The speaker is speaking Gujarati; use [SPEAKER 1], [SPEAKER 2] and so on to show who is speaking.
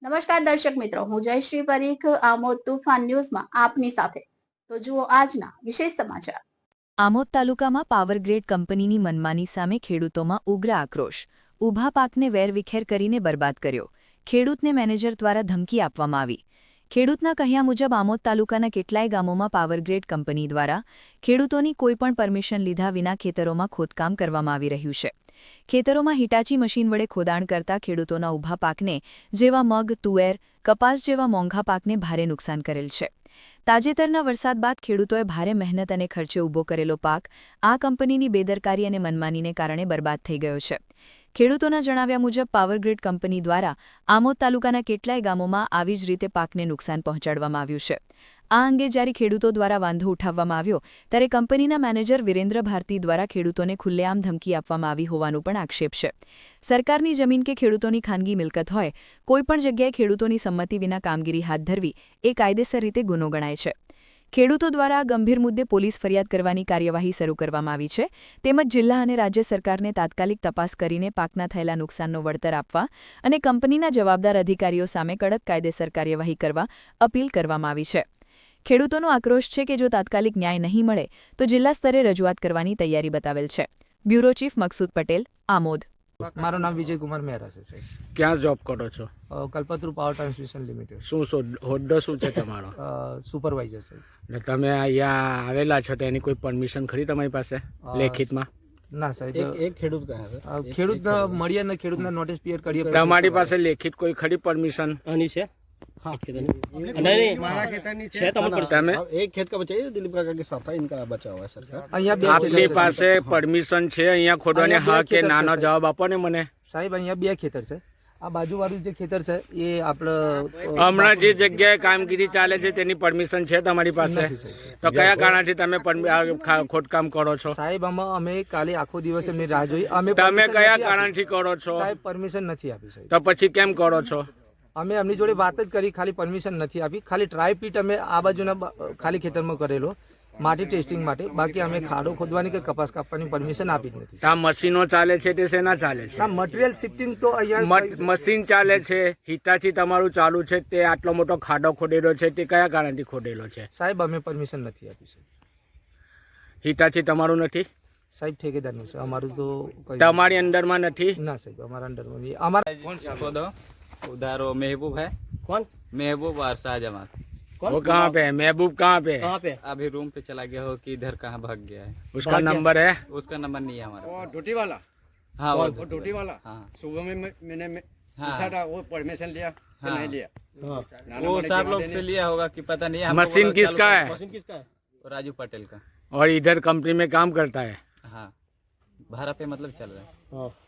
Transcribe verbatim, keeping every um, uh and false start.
[SPEAKER 1] નમસ્કાર દર્શક મિત્રો, હું જયશ્રી પરીખ આમોદ તુફાન ન્યૂઝમાં આપની સાથે. તો જુઓ આજના વિશેષ સમાચાર.
[SPEAKER 2] આમોદ તાલુકામાં પાવરગ્રીડ કંપનીની મનમાની સામે ખેડૂતોમાં ઉગ્ર આક્રોશ. ઊભા પાકને વેરવિખેર કરીને બરબાદ કર્યો. ખેડૂતને મેનેજર દ્વારા ધમકી આપવામાં આવી. ખેડૂતના કહ્યા મુજબ આમોદ તાલુકાના કેટલાય ગામોમાં પાવરગ્રીડ કંપની દ્વારા ખેડૂતોની કોઈપણ પરમિશન લીધા વિના ખેતરોમાં ખોદકામ કરવામાં આવી રહ્યું છે. ખેતરોમાં હિટાચી મશીન વડે ખોદાણ કરતા ખેડૂતોના ઊભા પાકને જેવા મગ, તુવેર, કપાસ જેવા મોંઘા પાકને ભારે નુકસાન કરેલ છે. તાજેતરના વરસાદ બાદ ખેડૂતોએ ભારે મહેનત અને ખર્ચે ઊભો કરેલો પાક આ કંપનીની બેદરકારી અને મનમાનીને કારણે બરબાદ થઈ ગયો છે. ખેડૂતોના જણાવ્યા મુજબ પાવરગ્રીડ કંપની દ્વારા આમોદ તાલુકાના કેટલાય ગામોમાં આવી જ રીતે પાકને નુકસાન પહોંચાડવામાં આવ્યું છે. આ અંગે જ્યારે ખેડૂતો દ્વારા વાંધો ઉઠાવવામાં આવ્યો ત્યારે કંપનીના મેનેજર વિરેન્દ્ર ભારતી દ્વારા ખેડૂતોને ખુલ્લેઆમ ધમકી આપવામાં આવી હોવાનું પણ આક્ષેપ છે. સરકારની જમીન કે ખેડૂતોની ખાનગી મિલકત હોય, કોઈપણ જગ્યાએ ખેડૂતોની સંમતિ વિના કામગીરી હાથ ધરવી એ કાયદેસર રીતે ગુનો ગણાય છે. ખેડૂતો દ્વારા આ ગંભીર મુદ્દે પોલીસ ફરિયાદ કરવાની કાર્યવાહી શરૂ કરવામાં આવી છે. તેમજ જિલ્લા અને રાજ્ય સરકારને તાત્કાલિક તપાસ કરીને પાકના થયેલા નુકસાનનો વળતર આપવા અને કંપનીના જવાબદાર અધિકારીઓ સામે કડક કાયદેસર કાર્યવાહી કરવા અપીલ કરવામાં આવી છે. ખેડૂતોનો આક્રોશ છે કે જો તાત્કાલિક ન્યાય નહીં મળે તો જિલ્લા સ્તરે રજૂઆત કરવાની તૈયારી બતાવેલ છે. Bureau chief Maqsood Patel, Amod.
[SPEAKER 3] મારું નામ વિજય કુમાર મહેરા છે સાહેબ.
[SPEAKER 4] ક્યાં જોબ કરો છો?
[SPEAKER 3] Kalpataru power transmission limited.
[SPEAKER 4] શું શું હોદ્દો શું છે તમારો?
[SPEAKER 3] સુપરવાઇઝર સાહેબ.
[SPEAKER 4] એટલે તમે અહીંયા આવેલા છો તો એની કોઈ પરમિશન ખરી તમારી પાસે લેખિતમાં?
[SPEAKER 3] ના સાહેબ,
[SPEAKER 5] એક ખેડૂત કહે છે
[SPEAKER 3] ખેડૂત મળીએ ને ખેડૂતના નોટિસ પીરિયડ કરીએ.
[SPEAKER 4] તમારી પાસે લેખિત કોઈ ખરી પરમિશન?
[SPEAKER 5] આની છે हाँ नहीं मारा खेतनी છે તમારી
[SPEAKER 4] તમે
[SPEAKER 5] एक खेत का बचा है दिलीप काका की सफाई इनका बचा हुआ है सरकार.
[SPEAKER 3] અહીંયા બે
[SPEAKER 4] આપની પાસે પરમિશન છે અહીંયા ખોદવાની? હા કે નાનો જવાબ આપો ને મને.
[SPEAKER 3] સાહેબ અહીંયા બે ખેતર છે. આ બાજુવાળું જે ખેતર છે એ આપણે
[SPEAKER 4] હમણાં જે જગ્યાએ કામગીરી ચાલે છે તેની પરમિશન છે તમારી પાસે? તો કયા કારણથી તમે ખોદકામ કરો છો?
[SPEAKER 3] સાહેબ આમાં અમે કાલે આખો દિવસ એમની રાહ જોઈ. અમે
[SPEAKER 4] તમે કયા કારણથી કરો છો?
[SPEAKER 3] સાહેબ પરમિશન નથી આપી સાહેબ.
[SPEAKER 4] તો પછી કેમ કરો છો?
[SPEAKER 3] અમે એમની જોડે વાત જ કરી, ખાલી પરમિશન નથી આપી. ખાલી ટ્રાય પીટ અમે આ બાજુના ખાલી ખેતરમાં કરેલો માટી ટેસ્ટિંગ માટે. બાકી અમે ખાડો ખોદવાની કે કપાસ કાપવાની પરમિશન આપી જ નથી.
[SPEAKER 4] આ મશીનો ચાલે છે તે શેના ચાલે છે?
[SPEAKER 3] આ મટીરિયલ શિફ્ટિંગ તો અહીંયા
[SPEAKER 4] મશીન ચાલે છે. હિટાચી તમારું ચાલુ છે તે આટલો મોટો ખાડો ખોદેલો છે તે કયા કારણથી ખોદેલો છે?
[SPEAKER 3] સાહેબ અમે પરમિશન નથી આપી સાહેબ.
[SPEAKER 4] હિટાચી તમારું નથી
[SPEAKER 3] સાહેબ? ઠેકેદારનું છે અમારું. તો
[SPEAKER 4] તમારી અંડરમાં નથી?
[SPEAKER 3] ના સાહેબ, અમારા અંડરમાં નહીં. અમારા
[SPEAKER 6] कौन सा खोदो उधर वो महबूब है.
[SPEAKER 5] कौन
[SPEAKER 6] महबूब और शाहजहां.
[SPEAKER 4] वो कहाँ पे है? महबूब कहाँ पे है?
[SPEAKER 5] कहाँ पे
[SPEAKER 6] अभी रूम पे चला गया हो कि इधर कहाँ भाग गया है.
[SPEAKER 4] उसका नंबर है?
[SPEAKER 6] उसका नंबर नहीं है हमारा.
[SPEAKER 7] वो ड्यूटी वाला
[SPEAKER 6] हाँ वो
[SPEAKER 7] वो ड्यूटी वाला
[SPEAKER 6] हाँ
[SPEAKER 7] सुबह में मैं- मैंने मैं
[SPEAKER 6] हाँ।
[SPEAKER 7] पूछा था वो परमिशन लिया कि
[SPEAKER 6] हाँ।
[SPEAKER 7] नहीं लिया.
[SPEAKER 5] हाँ
[SPEAKER 7] नाना
[SPEAKER 6] वो
[SPEAKER 7] बड़े
[SPEAKER 6] सब
[SPEAKER 7] की
[SPEAKER 6] लोग
[SPEAKER 7] बातें
[SPEAKER 6] से
[SPEAKER 7] नहीं-
[SPEAKER 6] लिया होगा कि पता नहीं. हमको
[SPEAKER 4] मशीन
[SPEAKER 6] बोला
[SPEAKER 4] किसका
[SPEAKER 6] चलो
[SPEAKER 4] है?
[SPEAKER 5] मशीन किसका है?
[SPEAKER 6] वो राजू पटेल का.
[SPEAKER 4] और इधर कंपनी में काम करता है?
[SPEAKER 6] हाँ भाड़ा पे मतलब चल रहा है.
[SPEAKER 5] हाँ